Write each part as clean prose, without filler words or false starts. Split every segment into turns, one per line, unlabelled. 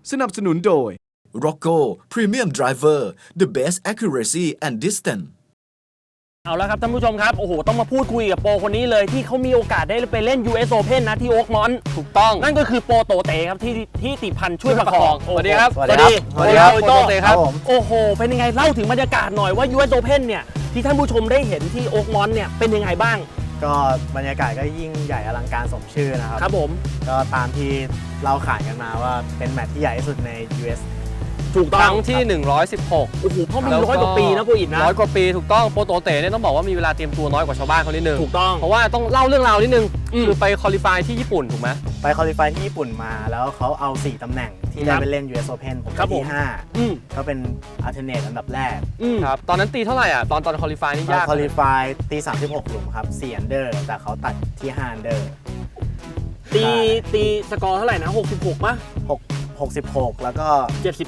สนับสนุนโดย
Rocco Premium Driver the best accuracy and distance
เอาละครับท่านผู้ชมครับโอ้โหต้องมาพูดคุยกับโปรคนนี้เลยที่เขามีโอกาสได้ไปเล่น US Open นะที่โอ๊กมอนต์ถูกต้องนั่นก็คือโปรโตเตครับที่ติพันธ์ช่วยประคองสวัสดีครับสวัสดีครับโปรโตเตครับโอ้โหเป็นยังไงเล่าถึงบรรยากาศหน่อยว่า US Open เนี่ยที่ท่านผู้ชมได้เห็นที่โอ๊กมอนต์เนี่ยเป็นยังไงบ้าง
ก็บรรยากาศก็ยิ่งใหญ่อลังการสมชื่อนะครับ
ครับผม
ก็ตามที่เราขานกันมาว่าเป็นแมตช์ที่ใหญ่ที่สุดใน US
ถูกต้อง
ครั้งที่116
โอ้โหเพราะมัน100 กว่าปีนะโปรอินนะ
100 กว่าปีถูกต้องโปรโตเตเนี่ยต้องบอกว่ามีเวลาเตรียมตัวน้อยกว่าชาวบ้านเขานิดนึง
ถูกต้อง
เพราะว่าต้องเล่าเรื่องราวนิดนึงคือไปคอลิฟายที่ญี่ปุ่นถูกไหม
ไปคอลิฟายที่ญี่ปุ่นมาแล้วเขาเอา4ตำแหน่งที่ได้ไปเล่น US Open ผมได้ที่5ก็เป็นอัลเทอร์เนทอันดับแรก
ครับตอนนั้นตีเท่าไหร่อ่ะตอนคอลิฟายนี่ยาก
คอลิฟายตี36หลุมครับ4อันเดอร์แต่เขาตัดที่5อันเดอร์
ตีสกอร์เท่าไหร่นะ66ป่ะ
66แล้วก็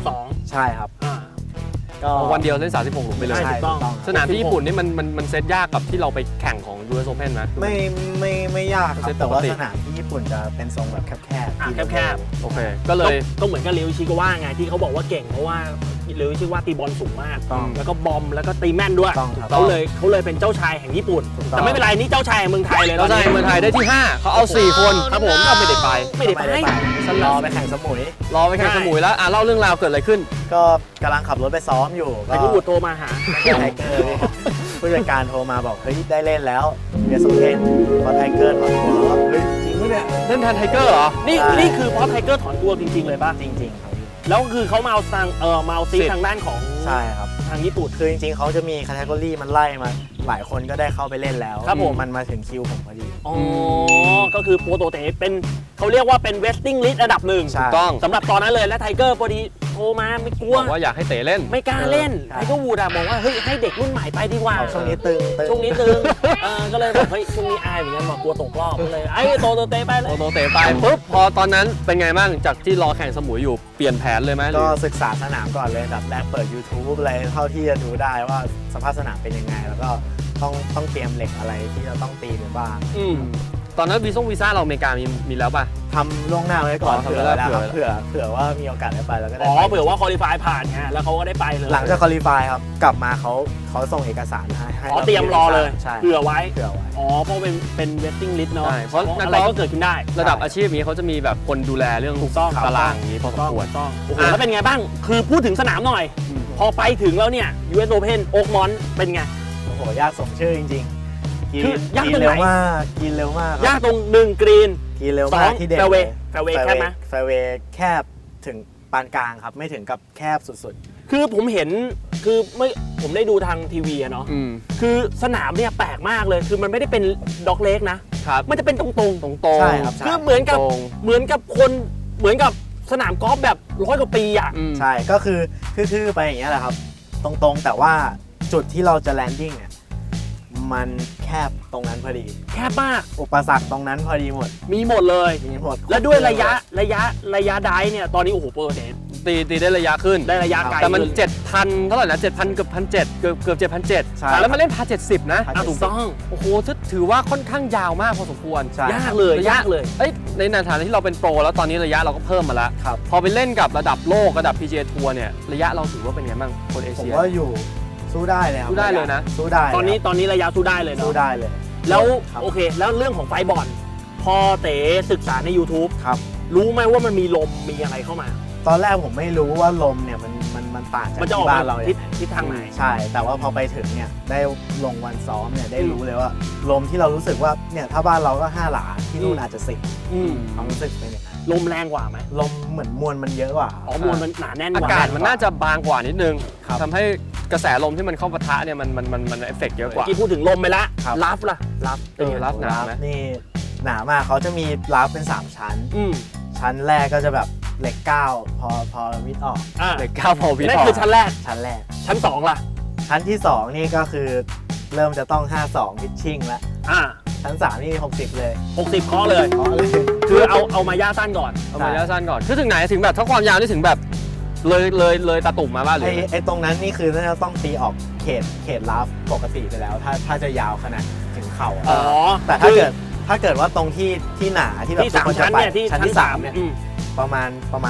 72
ใช่ครับ
ก็วันเดียวเล่น36หลุมไปเลย
ใช่ถูกต้อง
สนามที่ญี่ปุ่นนี่มันเซตยากกับที่เราไปแข่งของ US Open ไหม
ไม่ยากครับแต่ว่าสนามที่ญี่ปุ่นจะเป็นทรงแบบแคบ
โอเคก็เลย
ก็เหมือนกับเรวิชิกาว่าไงที่เขาบอกว่าเก่งเพราะว่าเรวิชิกาว่าตีบอลสูงมากแล้วก็บอมแล้วก็ตีแม่นด้วยเขาเลยเป็นเจ้าชายแห่งญี่ปุ่นแต่ไม่เป็นไรนี่เจ้าชายแห่งเมืองไทยเลย
เจ้าชายเมืองไทยได้ที่5เขาเอา4คนครับผมก็ไม่ได้ไป
รอไปแข่งสมุย
แล้วเล่าเรื่องราวเกิดอะไรขึ้น
ก็กำลังขับรถไปซ้อมอยู่
ไอ้ผู้บุตรโทรมาหา
ไทเกอร์ผู้จัดการโทรมาบอกเฮ้ยได้เล่นแล้วเวียสโซเทนพอไทเกอร์ถอนตัวแล้วเฮ้ยจริงไหมเนี่ย
เล่นแทนไทเกอร์เหรอ
นี่คือเพราะไทเกอร์ถอนตัวจริงๆเลยป่ะ
จริงๆครับ
แล้วคือเขามาเอาซีทางด้านของ
ใช่ครับ
ทางญี่ปุ่น
คือจริงๆเขาจะมีแคตตากรีมันไล่มาหลายคนก็ได้เข้าไปเล่นแล้ว
ครับผม
มันมาถึงคิวผมพอดี
อ๋อก็คือโปรโตเตเป็นเขาเรียกว่าเป็นเวสติ้งลิสต์อันดับหนึ่ง
ถูกต้อง
สำหรับตอนนั้นเลยและไทเกอร์พอดีโทรมาไม่กลัว
บอกว่าอยากให้เตะเล่น
ไม่กล้าเล่นไทเกอร์วูดอะบอกว่าเฮ้ยให้เด็กรุ่นใหม่ไปดีกว่า
ช่วงนี้ตึง
ก็เลยบอกเฮ้ยช่วงนี้อายเหมือนกันบอกกลัวตกรอบก็เลยไอ้โตเตไปเลย
โตเตไปปุ๊บพอตอนนั้นเป็นไงบ้างจากที่รอแข่งสมุยอยู่เปลี่ยนแผนเลยไหม
ก็ศึกษาสนามก่อนเลยแบบแรกเปิด YouTube อะไรเท่าที่จะดูได้ว่าสภาพสนามเป็นยังไงแล้วก็ต้องเตรียมเหล็กอะไรที่เราต้องตีไปบ้าง
ตอนนั้นวีซ่าเราอเมริกามีแล้วป่ะ
ทำล่วงหน้าไว้ก่อนเผื่อว่ามีโอกาสได้ไปแล้วก็ได้
เผื่อว่าคอลิฟายผ่านไงแล้วเขาก็ได้ไปเลย
หลังจากคอลิฟายครับกลับมาเขาส่งเอกสารให้
เตรียมรอเลยเผื่อไว้
เพ
ราะเป็นเวสติ้งลิสต์เนาะเพราะอะไรก็เกิดขึ้นได้
ระดับอาชีพนี้เขาจะมีแบบคนดูแลเรื่องตารางนี้พอสมควร
โอ้โหแล้วเป็นไงบ้างคือพูดถึงสนามหน่อยพอไปถึงแล้วเนี่ย US Open โอ๊กมอนต์เป็นไง
โอ้โหยากสมชื่อจริง
คือยากตรงไหน
กินเร็วมาก
ยากตรง1กรีน
กินเร็วมากที่เด็ด
แฟร์เวย์แคบไหม
แฟร์เวย์แคบถึงปานกลางครับไม่ถึงกับแคบสุด
ๆคือผมเห็นคือผมได้ดูทางทีวีอะเนาะคือสนามเนี่ยแปลกมากเลยคือมันไม่ได้เป็นด็อกเล็กนะมันจะเป็นตรง
ใช่ครับ
คือเหมือนกับสนามกอล์ฟแบบ100 กว่าปีอ่ะ
ใช่ก็คือไปอย่างเงี้ยแหละครับตรงแต่ว่าจุดที่เราจะแลนดิ้งเนี่ยมันแคบตรงนั้นพอดี
แคบมาก
อุปสรรคตรงนั้นพอดีหมด
มีหมดเลยและด้วยระยะได้เนี่ยตอนนี้โอ้โหโปรเต
ตีได้ระยะขึ้น
ได้ระยะไกล
แต่มัน 7,000 เท่าไหร่นะ 7,000 เกือบ 1,700 เกือบ 7,700 แล้วมาเล่น1,070 นะ
ถูกต้อง
โอ้โหถือว่าค่อนข้างยาวมากพอสมควร
ยากเลย
ในฐานะที่เราเป็นโปรแล้วตอนนี้ระยะเราก็เพิ่มมาแล้วพอไปเล่นกับระดับโลกระดับ PGA ทัวร์เนี่ยระยะเราถือว่าเป็นไงบ้างคนเอเชีย
ผมว่าอยู่สู้ได้เลยครับ
สู้ได้เลยนะ
สู้ได้
ตอนนี้ระยะสู้ได้เลยเนาะ
สู้ได้เลย
แล้วโอเคแล้วเรื่องของไฟบอลพอเต๋ศึกษาใน YouTube
ครับ
รู้ไหมว่ามันมีลมมีอะไรเข้ามา
ตอนแรกผมไม่รู้ว่าลมเนี่ยมันต่างจากที่บ้านเรา
ทิศทางไหน
ใช่แต่ว่าพอไปถึงเนี่ยได้ลงวันซ้อมเนี่ยได้รู้เลยว่าลมที่เรารู้สึกว่าเนี่ยถ้าบ้านเราก็5 หลาที่นู่นอาจจะ10ความรู้สึกเป็นอย่างนั้น
ลมแรงกว่าไหม
ลมเหมือนมวลมันเยอะกว่าม
วลมันหนาแน่นกว่า
อากาศมันน่าจะบางกว่านิดนึงทำให้กระแสลมที่มันเข้าปะทะเนี่ยมันเอฟเฟกต์เยอะกว่า
ที่พูดถึงลมไปละลัฟ
ลัฟหนาไหม
นี่หนามากเขาจะมีลัฟเป็น3ชั้นชั้นแรกก็จะแบบเหล็ก9พอวิดออก
เหล็ก9พอวิดออก
นั่นคือชั้นแรกชั้น2ล่ะ
ชั้นที่2นี่ก็คือเริ่มจะต้อง52พิชชิ่งแล้วชั้น3นี่60เลย
60เคาะเลยคือเอามาย่าสั้นก่อน
คือถึงไหนถึงแบบถ้าความยาวนี่ถึงแบบเลยตาตุ่มมาบ้างเลย
ไอ้ตรงนั้นนี่คือน่าจะต้องตีออกเขตลัฟปกติไปแล้วถ้าจะยาวขนาดถึงเข่าแต่ถ้าเกิดว่าตรงที่หนาที่แบบ
3ชั้นเนี่ยที่ชั้นที่3เนี่ย
ประมาณ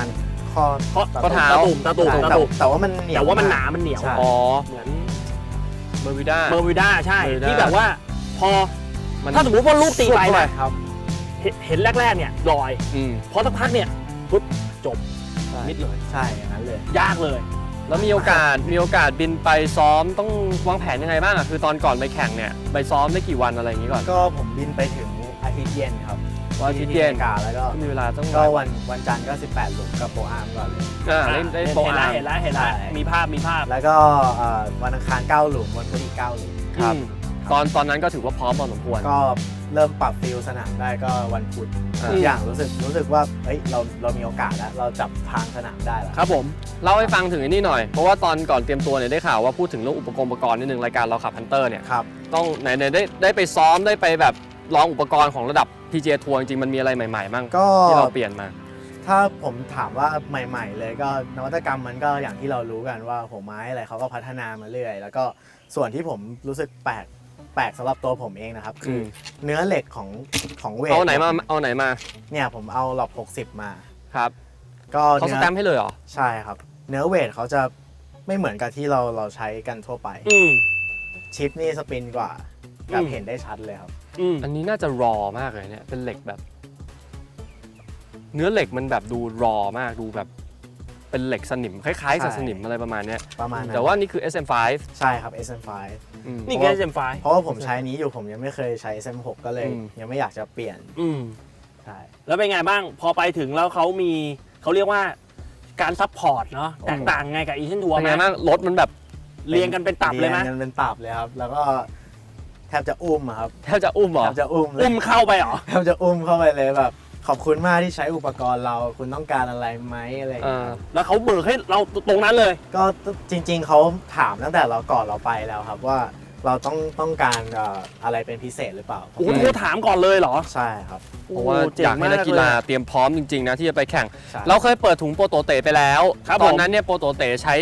ข้อเท้า
ตะตุ่ม
แต่ว่ามันเหนียว
แต่ว่ามันหนามันเหนียว
ใช่
อ๋อ
เหมือน
เบอร์วิด้า
เบอร์วิด้าใช่
เบอร์วิด้า
ที่แบบว่าพอ
มัน
ถ้าสมมติว่าลูกตีไปนะ
ครับ
เห็นแรกๆเนี่ยลอย
อืม
พอสักพักเนี่ยปุ๊บจบ
ใช่
มิดเลย
ใช่อย่างนั้นเลย
ยากเลย
แล้วมีโอกาสบินไปซ้อมต้องวางแผนยังไงบ้างอ่ะคือตอนก่อนไปแข่งเนี่ยไปซ้อมได้กี่วันอะไรอย่างงี้ก่อน
ก็ผมบินไปถึงอาทิตย์เย็นครับ
วันอาทิตย์เย็น
ที่อเมริกาแล้วก็
มีเวลาต้อง
ก็วันจันทร์ก็ 18 หลุมกับโปรอาร์มก่อนเลย
ได้โปรอาร์ม
เห็นแล้ว
ใช่
มีภาพ
แล้วก็วันอังคาร 9 หลุมวันพุธอีก 9 หลุม
ครับตอนนั้นก็ถือว่าพร้อมพอสมควร
ก็เริ่มปรับฟิลสนามได้ก็วันพุธ
อ่า
ทุกอย่างรู้สึกว่าเฮ้ยเรามีโอกาสแล้วเราจับทางสนามได้แล้ว
ครับผม
เล่าให้ฟังถึงอันนี้หน่อย เพราะว่าตอนก่อนเตรียมตัวเนี่ยได้ข่าวว่าพูดถึงเรื่องอุปกรณ์นิดนึงรายการเราขับฮันเตอร์เนี่ย
ครับ
ต้องไหนได้ไปซ้อมได้ไปแบบลองอุปกรณ์ของระดับ PGA ทัวร์จริงๆมันมีอะไรใหม่ๆบ้าง
ก็
ที่เราเปลี่ยนมา
ถ้าผมถามว่าใหม่ๆเลยก็นวัตกรรมมันก็อย่างที่เรารู้กันว่าหัวไม้อะไรเขาก็พัฒนามาเรื่อยแล้วก็ส่วนที่ผมรู้สึกแปลกสำหรับตัวผมเองนะครับคือเนื้อเหล็กของเวท
เอาไหนมา
เนี่ยผมเอาหลอบ60 มา
ครับ
ก็
เขาสแตมป์ให้เลยเหรอ
ใช่ครับ เนื้อเวทเขาจะไม่เหมือนกับที่เราใช้กันทั่วไป ชิปนี่สปินกว่าแบบเห็นได้ชัดเลยครับ
อันนี้น่าจะรอมากเลยเนี่ยเป็นเหล็กแบบ เนื้อเหล็กมันแบบดูรอมากดูแบบเป็นเหล็กสนิมคล้ายๆกับ
ใช่
สนิมอะไรประมาณเนี้ย
ประมาณนั้น
แต่ว่านี่คือ SM5
ใช่ครับ SM5
อืม
นี่คือ SM5
เพราะว่าผมใช้นี้อยู่ผมยังไม่เคยใช้ SM6 ก็เลย
อืม
ยังไม่อยากจะเปลี่ยน ใช่
แล้วเป็นไงบ้างพอไปถึงแล้วเขาเรียกว่าการซัพพอร์ตเนาะแตกต่างไงกับอีเชนทัวร์
เป็น
ไหม
ไงบ้างรถมันแบบ
เรียงกันเป็นตับเลยไหม
รีงกันเป็นตับเลยครับ แล้วก็แทบจะอุ้มอะครับ
แทบจะอุ้มเหรอ
แทบจะอุ้มเลย
อุ้มเข้าไปเหรอ
แทบจะอุ้มเข้าไปเลยแบบขอบคุณมากที่ใช้อุปกรณ์เราคุณต้องการอะไรไหมอะไรอย่างเงี้ยครับ
แล้วเขาเบิกให้เราตรงนั้นเลย
ก็จริงๆเขาถามตั้งแต่เราก่อนเราไปแล้วครับว่าเราต้องการอะไรเป็นพิเศษหรือเปล่า
โอ้โหโทรถามก่อนเลยเหรอ
ใช่ครับ
เพราะว่าอยากให้นักกีฬาเตรียมพร้อมจริงๆนะที่จะไปแข่ง
ใช่
เราเคยเปิดถุงโปรโตเตไปแล้ว
ครับ
ตอน
ผม
นั้นเนี่ยโปรโตเตใช้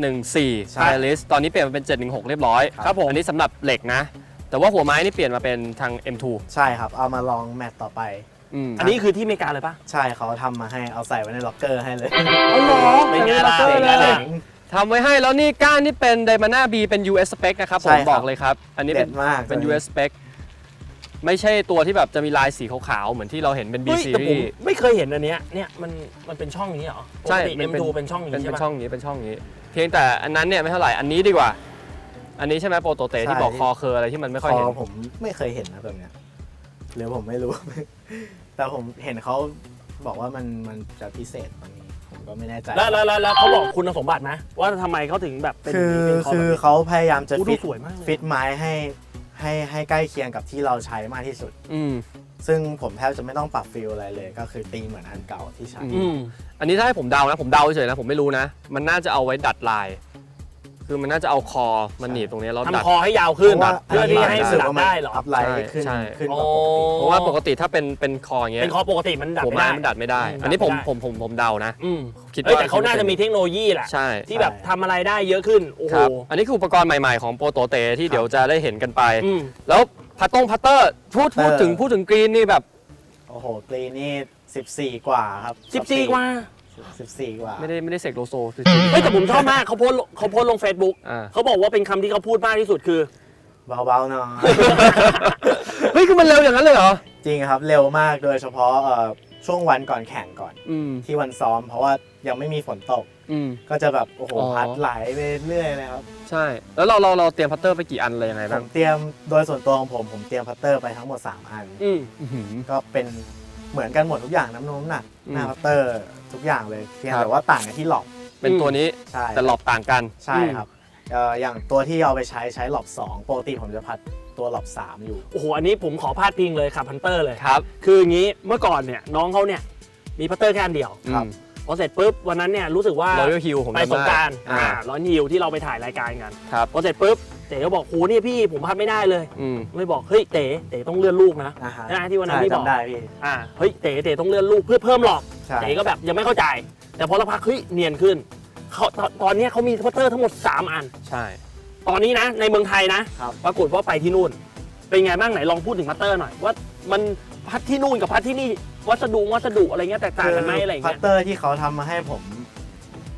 714
ใช่
ไทลิสตอนนี้เปลี่ยนมาเป็น 716 เรียบร้อย
ครับผม
อันนี้สำหรับเหล็กนะ แต่ว่าหัวไม้นี่เปลี่ยนมาเป็นทาง M2
ใช่ครับเอามาลองแมตต์ต่อไป
อันนี้คือที่อเมริกาเลยปะ
ใช่เขาทำมาให้เอาใส่ไว้ในล็อกเกอร์ให้เลย
อ๋อเหรอเป็นไงล่ะ
เจ๋ง
เป็นไง
เล
ล่ะ
ย ทำไว้ให้แล้วนี่ก้านนี่เป็น Daytona B เป็น US spec นะครับผ
ใช่
ม
ครับ
บอกเลยครับ อันนี้เป็น
เด็ดมาก
เป็น
ตัวนี้
US spec ไม่ใช่ตัวที่แบบจะมีลายสีขาวๆเหมือนที่เราเห็นเป็น B
เฮ้ยแต่ผม
series
ไม่เคยเห็นอันเนี้ยเนี่ยมันเป็นช่องนี้เหรอป
ใช่
กติ
มันเป็น
M2 เป็นช่องนี้
เป็น
ใช่ปะ
ช่องนี้เป็นช่องนี้ เพียงแต่อันนั้นเนี่ยไม่เท่าไหร่อันนี้ดีกว่า อันนี้ใช่ไหมโปรโตเตที่บอกคอเคอร์อะไรที่มันไม่
ค
ค่อย
อ
เห็น
ผมไม่เคยเห็นนะแบบเนี้ยหรือผมไม่รู้ แต่ผมเห็นเขาบอกว่ามันจะพิเศษกว่านี้ผมก็ไม่แน่ใจ
แล้วเขาบอกคุณสมบัติไหมว่าทำไมเขาถึงแบบเป็น
คือ
เป็น
คือ
แบบนี้
เขาพยายามจะ
อู้
ฟิ
ดู
ต
สวยมากเลย
ฟิตไม้ให้ใกล้เคียงกับที่เราใช้มากที่สุด
อืม
ซึ่งผมแทบจะไม่ต้องปรับฟิลอะไรเลย ก็คือตีเหมือนอันเก่าที่ใช้
อืม
อันนี้ถ้าให้ผมเดานะผมเดาเฉยๆนะผมไม่รู้นะ มันน่าจะเอาไว้ดัดลาย คือมันน่าจะเอาคอมันหนีบตรงนี้แล้วดัด
ทำคอให้ยาวขึ้น
เพราะว่า
เพื่อที่ให้มันดัดได้เหรอ
อัพไลน์ขึ้น
ใช่
ขึ้น
โอ้
กว่าปกติ
เพราะว่าปกติถ้าเป็นคออย่างเงี้ย
เป็นคอปกติมันดัด
หัว
ไม่
ไม้
ได้
มันดัดไม่ได้
อืม
อันนี้
ดัดไม่ได้
ผมเดานะ
อืม
คิด
เอ้ย
ว่า
แต่เขาน่าจะมีเทคโนโลยีแหละ
ใช่
ที่แบบทำอะไรได้เยอะขึ้น โอ้โห
ครับอันนี้คืออุปกรณ์ใหม่ๆของโปรโตเตที่เดี๋ยวจะได้เห็นกันไป
อืม
แล้วพัตเตอร์พูดถึงกรีนนี่แบบ
โอ้โหกรีนนี่14 กว่าครับ
14 กว่า
14 กว่า
ไม่ได้เสกโลโซ
เฮ้ยแต่ผมชอบมากเขาโพสต์ลง Facebook
อ่า
เขาบอกว่าเป็นคำที่เขาพูดมากที่สุดคือ
เบาๆหน่อย
เฮ้ยคือมันเร็วอย่างนั้นเลยเหรอ
จริงครับเร็วมากโดยเฉพาะช่วงวันก่อนแข่งก่อน
อืม
ที่วันซ้อม เพราะว่ายังไม่มีฝนตก
อืม
ก็จะแบบโอ้โห
อ๋อ
พัดไหลไปเรื่อยเลยครับ
ใช่ แล้วเราเตรียมพัตเตอร์ไปกี่อันเลยยังไง
ผ
บ้าง
มเตรียมโดยส่วนตัวของผมเตรียมพัตเตอร์ไปทั้งหมด 3 อัน
อืม
อื้อหือ
ก็เป็นเหมือนกันหมดทุกอย่างน้ำหนัก
อืม
หน้าพัตเตอร์ทุกอย่างเลยเพียง
ครับ
แต่ว่าต่างกันที่หลอบ
เป็นตัวนี้
ใช่
แต่หลอบต่างกัน
ใช่ครับอย่างตัวที่เอาไปใช้หลอบ2ปกติผมจะพัดตัวหลอบ3อยู่
โอ้โห อันนี้ผมขอพาดพิงเลยขับพันเตอร์เลย
ครับ
คืออย่างนี้เมื่อก่อนเนี่ยน้องเขาเนี่ยมีพัตเตอร์แค่อันเดียว
ครับ
พอเสร็จปุ๊บวันนั้นเนี่ยรู้สึกว่า
Royal Hill ผม
ไป
จำได้
สงกราร
อ่า
ร้อนฮิลที่เราไปถ่ายรายการกัน
ครับ
พอเสร็จปุ๊บเต๋ก็บอกโหเนี่ยพี่ผมพัดไม่ได้เลย
อืม
เลยบอกเฮ้ยเต๋ต้องเลื่อนลูกนะ
อ่าฮะ
นะที่วันนั้น
ใช่
พี่บอก
จำได้พี่
เฮ้ยเต๋ต้องเลื่อนลูกเพื่อเพิ่มหลอก
ใช่
เต๋ก็แบบยังไม่เข้าใจ แต่พอเราพักเฮ้ยเนียนขึ้นเขาตอนเนี้ยเขามีพัตเตอร์ทั้งหมด3 อัน
ใช่
ตอนนี้นะในเมืองไทยนะครับ ปรากฏว่าไปที่นู่น เป็นไงบ้างไหนลองพูดถึงพัตเตอร์หน่อยว่ามันพัดที่นู่นกับพัดที่นี่วัสดุอะไรเงี้ยแตกต่างกันไหมอะไร
พั
เงี้
ต
ย
เตอร์ที่เขาทำมาให้ผม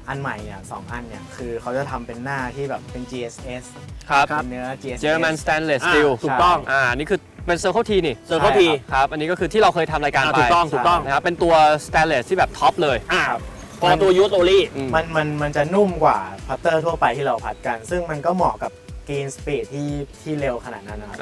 อันใหม่เนี่ย2อันเนี่ยคือเขาจะทำเป็นหน้าที่แบบเป็น GSS
ครับ
เป็นเนื้อ GSS
German Stainless Steel
ถูกต้อง
นี่คือเป็น Circle T นี่
Circle T
ครับอันนี้ก็คือที่เราเคยทำรายการไป
ถูกต้อง
นะครับเป็นตัว Stainless ที่แบบท็อปเลย
พอตัวยูสโอลี่
มันจะนุ่มกว่าพัตเตอร์ทั่วไปที่เราพัดกัน ซึ่งมันก็เหมาะกับกรีนสปีดที่เร็วขนาดนั้นนะครับ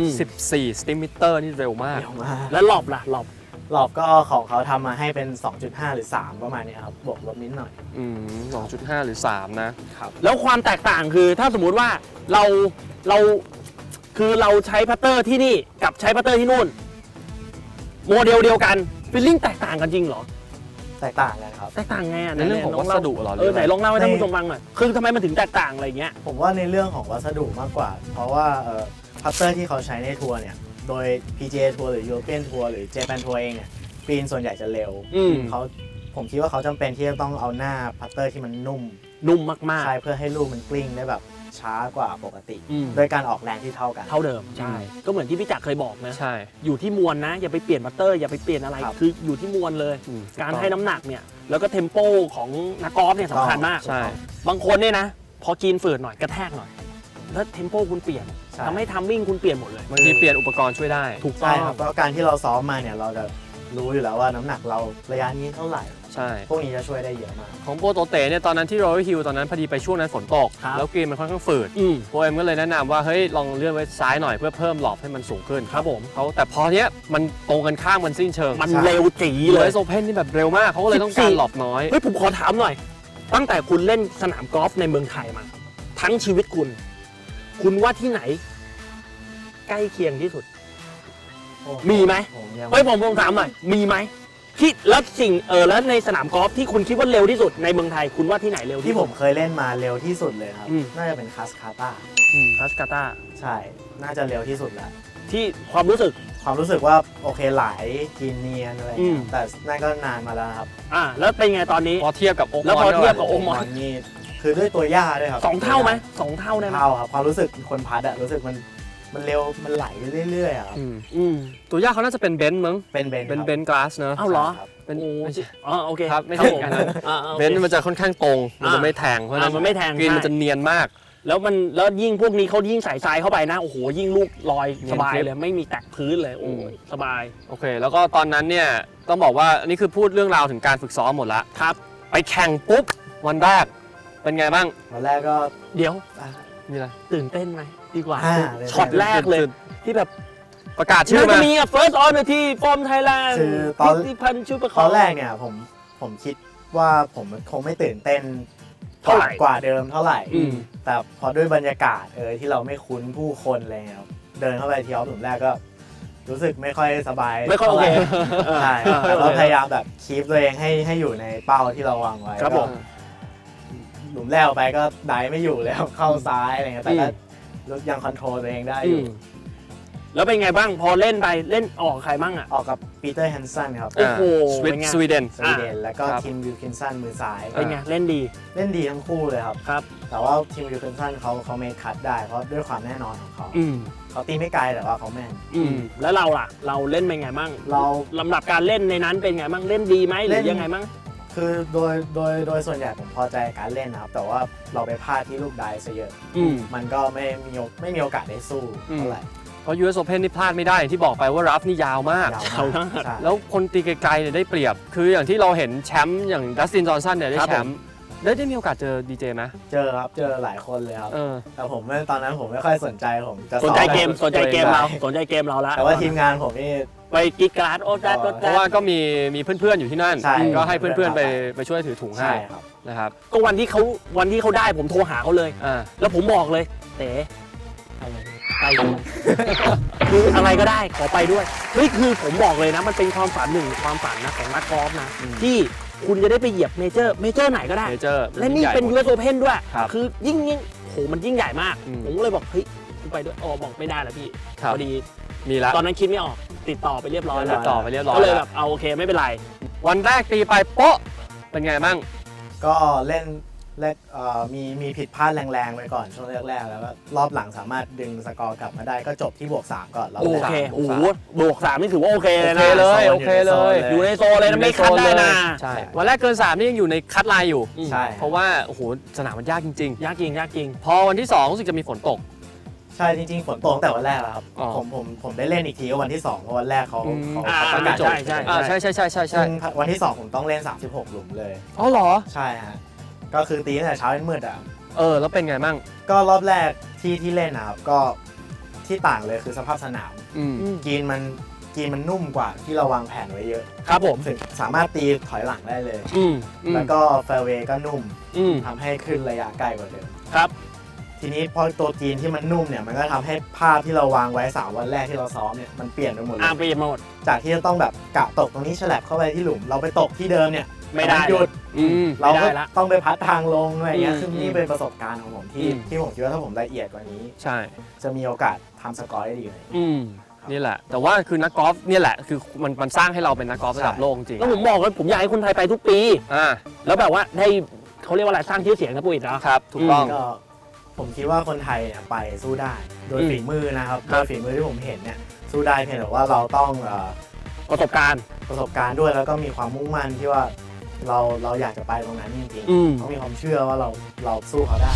14 Stimeter นี่เร็วมาก
เร็วมาก
แล้วหลบล่ะหลบ
รอบก็ของเขาทำมาให้เป็น 2.5 หรือ 3 ประมาณนี้ครับบวกลบนิดหน่อย
2.5 หรือ 3 นะ
แล้วความแตกต่างคือถ้าสมมุติว่าเราคือเราใช้พัตเตอร์ที่นี่กับใช้พัตเตอร์ที่นู่นโมเดลเดียวกันฟีลลิ่งแตกต่างกันจริงเหรอ
แตกต่างกันครับ
แตกต่างไงอ่ะ
ในเรื่องของวัสดุเหรอ
ไหนลองเล่าให้ท่านผู้ชมฟังหน่อยคือทำไมมันถึงแตกต่างอะไรเงี้ย
ผมว่าในเรื่องของวัสดุมากกว่า เพราะว่าพัตเตอร์ที่เขาใช้ในทัวร์เนี่ยโดย PGA ทัวร์หรือ European ทัวร์หรือ Japan ทัวร์เองเนี่ยกรีนส่วนใหญ่จะเร็วผมคิดว่าเขาจำเป็นที่จะต้องเอาหน้าพัตเตอร์ที่มันนุ่ม
มาก
ใช่เพื่อให้ลูกมันกลิ้งได้แบบช้ากว่าปกติ
ๆ
โดยการออกแรงที่เท่ากัน
เท่าเดิมใช่ก็เหมือนที่พี่จักรเคยบอกนะ
ใช่
อยู่ที่มวลนะอย่าไปเปลี่ยนพัตเตอร์อย่าไปเปลี่ยนอะไร
ครับ
คืออยู่ที่มวลเลย การให้น้ำหนักเนี่ยแล้วก็เทมโปของนักกอล์ฟเนี่ยสำคัญมาก
ใช่
บางคนเนี่ยนะพอกินฝืดหน่อยกระแทกหน่อยแล้วเทมโปคุณเปลี่ยน
ใช่
ทำให้ทัมมิ่งคุณเปลี่ยนหมดเลย
บางทีเปลี่ยนอุปกรณ์ช่วยได้
ถูกต้
ใช่
อง
ครับเพราะการที่เราซ้อมมาเนี่ยเราจะรู้อยู่แล้วว่าน้ำหนักเราระยะนี้เท่าไหร่
ใช่
พวกนี้จะช่วยได้เยอะมาก
ของโปรโตเตเนี่ยตอนนั้นที่ Royal Hill ตอนนั้นพอดีไปช่วงนั้นฝนตก แล้วกรีนมันค่อนข้างฝืดโปรเอ็มก็เลยแนะนำว่าเฮ้ยลองเลื่อนไว้ซ้ายหน่อยเพื่อเพิ่มหลอบให้มันสูงขึ้น
ครับผม
เขาแต่พอเนี้ยมันตรงกันข้ามมันสิ้นเชิง
มัน
ใช่
เร็วจีเล
เลย ยโซเพนนี่แบบเร็วมากเขาก็เลยต้องการหลอบน้อย
เฮ้ยผมขอถามหน่อย ตั้งแต่คุณเล่นสนามกอล์ฟในเมืองไทยมา ทั้งชีวิตคุณว่าที่ไหน ใกล้เคียงที่สุด มีไหม
ผมยัง
เฮ้ยผมถามหน่อยมีไหมที่แล้วแล้วในสนามกอล์ฟที่คุณคิดว่าเร็วที่สุดในเมืองไทยคุณว่าที่ไหนเร็วที่
ที่ผ
สุด
มเคยเล่นมาเร็วที่สุดเลยครับ
อืม
น่าจะเป็นคาสคาตา
คัสกาตา
ใช่ น่าจะเร็วที่สุดแล้ว
ที่ความรู้สึก
ความรู้สึกว่าโอเคไหลกินเนียนอะไรอย่างเงี้
อื
ย
ม
แต่นั่นก็นานมาแล้วนะครับ
แล้วเป็นไงตอนนี้
พอเทียบกับโอ๊ก
แล้วพอเทียบกับ โอ้ มอน
นี่คือด้วยตัวหญ้าด้วยครับ
สองเท่าไหมสองเท่าได้ไหม
เท่าครับความรู้สึกคนพัดอะรู้สึกมันเร็วมันไหลไปเรื่อยๆอะครับ
ตัวยากเขาน่าจะเป็นเบนซ์มั้ง
เป็นเบน
เป็นเบนซ์กลาสเนอะ
เอ้าเหรอ
ครับ
เป็น
โอ้
ไม่ใช่
โอเค
ครับไม่ใช่
ผม
อันนั้น
โอค
เบนซ์มันจะค่อนข้างตรงมันจะไม่แทงเพราะฉะนั้น
มันไม่แทง
กรีน
ใช่
มันจะเนียนมาก
แล้วยิ่งพวกนี้เขายิ่งใส่ทรายเข้าไปนะโอ้โหยิ่งลูกลอย
เนี
ส
ยน
บาย
คลิป
เลยไม่มีแตะพื้นเลยโอ้ยสบาย
โอเค แล้วก็ตอนนั้นเนี่ยต้องบอกว่าอันนี้คือพูดเรื่องราวถึงการฝึกซ้อมหมดละ
ครับ
ไปแข่งปุ๊บวันแรกเป็นไงบ้าง
วันแรกก็
เดี๋ยว
มีอะไร
ตื่นเต้นไหมดีกว่า
เลย
ช็อตแรกเลยที่แบบ
ประกาศชื่อ
น่าจะ
มา
มีอ่ะ first on the tee from Thailand
คือตอน
พิพันธ์ชุประค
ต
อ
อง นแรกเนี่ยผมคิดว่าผมคงไม่ตื่นเต้น
เท่าไหร่
กว่าเดิมเท่าไหร่
อืม
แต่พอด้วยบรรยากาศที่เราไม่คุ้นผู้คนอะไรเงี้ยครับเดินเข้าไปทีออฟหลุมแรกก็รู้สึกไม่ค่อยสบาย
ไม่ค่อยโอเค
ใช่ครับแต่เราพยายามแบบคีปตัวเองให้อยู่ในเป้าที่เราวางไว้
ครับผม
ก็หลุมแรกออกไปก็ไดไม่อยู่แล้วเข้าซ้ายอะไรเงี้ยแต่ก็ยังคอนโทรลตัวเองได้อยู่
แล้วเป็นไงบ้างพอเล่นไปเล่นออกใครบ้างอ่ะ
ออกกับปีเตอร์แฮนสันครับ
โอ้โห
สวีเดน
สวีเดนแล้วก็
ครับ
ทีมวิลคินสันมือซ้าย
เป็นไงเล่นดี
เล่นดีทั้งคู่เลยครับ
ครับ
แต่ว่าทีมวิลคินสันเขาเมคคัทได้เพราะด้วยความแน่นอนของเขา
อืม
เขาตีไม่ไกลแต่ว่าเขาแม่น
แล้วเราล่ะ เราเล่นเป็นไงบ้าง
เรา
ลำดับการเล่นในนั้นเป็นไงบ้างเล่นดีไหมหรือยังไงบ้าง
คือโดยส่วนใหญ่ผมพอใจการเล่นนะครับ แต่ว่าเราไปพลาดที่ลูกได้ซะเยอะ มันก็ไม่มีโอกาสได้สู้เท่าไหร่
เพราะ US Open นี่พลาดไม่ได้อย่างที่บอกไปว่ารัฟนี่ยาวมาก
ยาว
เขา
มากใช่
แล้วคนตีไกลๆเนี่ยได้เปรียบ คืออย่างที่เราเห็นแชมป์อย่างดัสตินจอห์นสันเนี่ยได้
ครับ
แชมป์ได้มีโอกาสเจอดีเจไหม
เจอครับเจอหลายคนเลยครับ
เออ
แต่ผมตอนนั้นผมไม่ค่อยสนใจผมจะ
สนใจเกม
ซ้อ
สนใจเกมเราสนใจเกมเราละ
แต่ว่าทีมงานผมนี่
ไปกิ๊กการ์ดโอ้ดัดโอ้
เพ
ดั
ราะ
ด
ว่าก็มีเพื่อนๆอยู่ที่นั่น
ใช่
ก็ให้เพื่อนๆไปช่วยถือถุงให้
ใช่ครับ
นะครับ
ก็วันที่เขาได้ผมโทรหาเขาเลย
อ่า
แล้วผมบอกเลยเต๋ไปด้วยคืออะไรก็ได้ขอไปด้วยเฮ้ยคือผมบอกเลยนะมันเป็นความฝันหนึ่งความฝันนะของนักกอล์ฟนะที่คุณจะได้ไปเหยียบเมเจอร์ไหนก็ได้
เมเจอร์
และนี่เป็น US Open ด้วย
ครับ
คือยิ่งโหมันยิ่งใหญ่มาก
อืม
ผมก็เลยบอกเฮ้ยกูไปด้วยบอกไม่ได้แล้วพี่
ครับ
พอดี
มีละ
ตอนนั้นคิดไม่ออกติดต่อไปเรียบร้อยแล้
ติ
ว
ดต่อไปเรียบร้อย
ก็เลย
แล้
แบ
ว
บเอาโอเคไม่เป็นไร
วันแรกตีไปโป๊ะเป็นไงบ้าง
ก็เล่นแรกมีผิดพลาดแรงๆไปก่อนช่วงแรกๆแล้วก็รอบหลังสามารถดึงสกอร์กลับมาได้ก็จบที่+3ก่อนรอบ
โอ
แรก
เคโอ้โห+3นี่ถือว่าโอเคเลยนะ
โอเคเลย
อยู่ในโซนเลยนะไม่คัดได้นะ
ใช่วันแรกเกิน 3 นี่ยังอยู่ในคัดไลน์อยู่
ใช่
เพราะว่าโอ้โหสนามมันยากจริง
ยากจริงยากจริง
ๆ พอวันที่ 2 รู้สึกจะมีฝนตก
ใช่จริงๆฝนตกตั้งแต่วันแรกแล้วครับ
อ๋อ
ผมได้เล่นอีกทีก็วันที่2เพราะวันแรกเขา
อ่า
ประกาศจบ
ใช่
ใช่ใช่
ซึ่งวันที่2ผมต้องเล่น36หลุมเลย
อ๋อเหรอ
ใช่ฮะก็คือตีตั้งแต่เช้าจนมืดอ่ะ
แล้วเป็นไงมั่ง
ก็รอบแรกที่เล่นนะครับก็ที่ต่างเลยคือสภาพสนาม
อืม
กรีนมันนุ่มกว่าที่เราวางแผนไว้เยอะ
ครับผม
ถึงสามารถตีถอยหลังได้เลย
อืม
แล้วก็แฟร์เวย์ก็นุ่ม
อืม
ทำให้ขึ้นระยะไกลกว่าเดิม
ครับ
ทีนี้พอตัวกรีนที่มันนุ่มเนี่ยมันก็ทำให้ภาพที่เราวางไว้3วันแรกที่เราซ้อมเนี่ยมันเปลี่ยนไปหมดเล
เปลี่ยนมาหมด
จากที่จะต้องแบบกะตกตรงนี้ฉลับเข้าไปที่หลุม เราไปตกที่เดิมเนี่ย
ไม่ได้
นหยุด
อืม
เรา
ไม่
ก็
ได้ละ
ต้องไปพัดทางลงอะไรอย่างเงี้ย
อืม
ซึ่งนี่เป็นประสบการณ์ของผมที่
อืม
ที่ผมคิดว่าถ้าผมละเอียดกว่านี้
ใช่
จะมีโอกาสทำสกอร์ได้ดีเลย
อืม
นี่แหละ แต่ว่าคือนักกอล์ฟเนี่ยแหละคือมันสร้างให้เราเป็นนักกอล์ฟระดับโลกจริง
แล้วผมบอกเลยผมอยากให้คนไทยไปทุกปี
อ่า
แล้วแบบว่าได้เขาเรียกว่าอะไรสร้างชื่อเสียงนะปุ้ยนะครับ
ถูกต้อง
ก็ผมคิดว่าคนไทยเนี่ยไปสู้ได้ โดย
อืม
ฝีมือนะครับ
ครั
โด
บ
ยฝีมือที่ผมเห็นเนี่ยสู้ได้เพียงแต่ว่าเราต้อง
ประสบการณ์
ประสบการณ์ด้วยแล้วก็มีความมุ่งมั่นที่ว่าเราอยากจะไปตรงนั้นจริง
อืม
ๆต้องมีความเชื่อว่าเราสู้เขาได้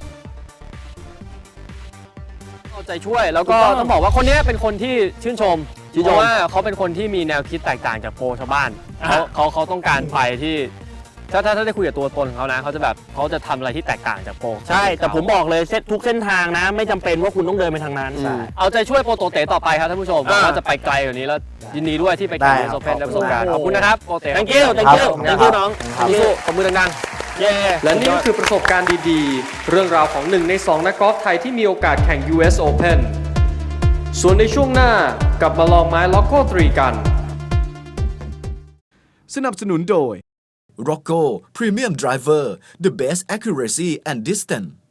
เอาใจช่วยแล้วก็
ถูกต้อง
ต้องบอกว่าคนเนี้ยเป็นคนที่ชื่นชม
ชื่น
เพ
ชม
ราะว่าเขาเป็นคนที่มีแนวคิดแตกต่างจากโปรชาวบ้าน
อ่ะ
เขาต้องการไปที่ถ้าได้คุยกับตัวตนของเขานะเขาจะแบบเขาจะทำอะไรที่แตกต่างจากโปร
ใช่ แต่ผมบอกเลยทุกเส้นทางนะ ไม่จำเป็นว่าคุณต้องเดินไปทางนั้น
อืม
ใช่
เอาใจช่วยโปรโตเตต่อไปครับท่านผู้ชม
อ่า
ว่าจะไปไกลกว่านี้แล้วยินดีด้วยที่ไปแข่ง
ได้
ยู
ครับ
โซเพนได้ประสบ
ขอบคุณ
การณ์
มาก
ขอบคุณนะครับโปรเต
thank you thank you
ครับ
thank you น้อง
ครับ
สู้ขอบมือดัง
เย้
ๆและนี่ก็คือประสบการณ์ดีๆ เรื่องราวของ1 ใน 2 นักกอล์ฟไทยที่มีโอกาสแข่ง US Open ส่วนในช่วงหน้ากลับมาลองไม้ล็อกโก้3กัน
สนับสนุนโดย Rocco Premium Driver The Best Accuracy and Distance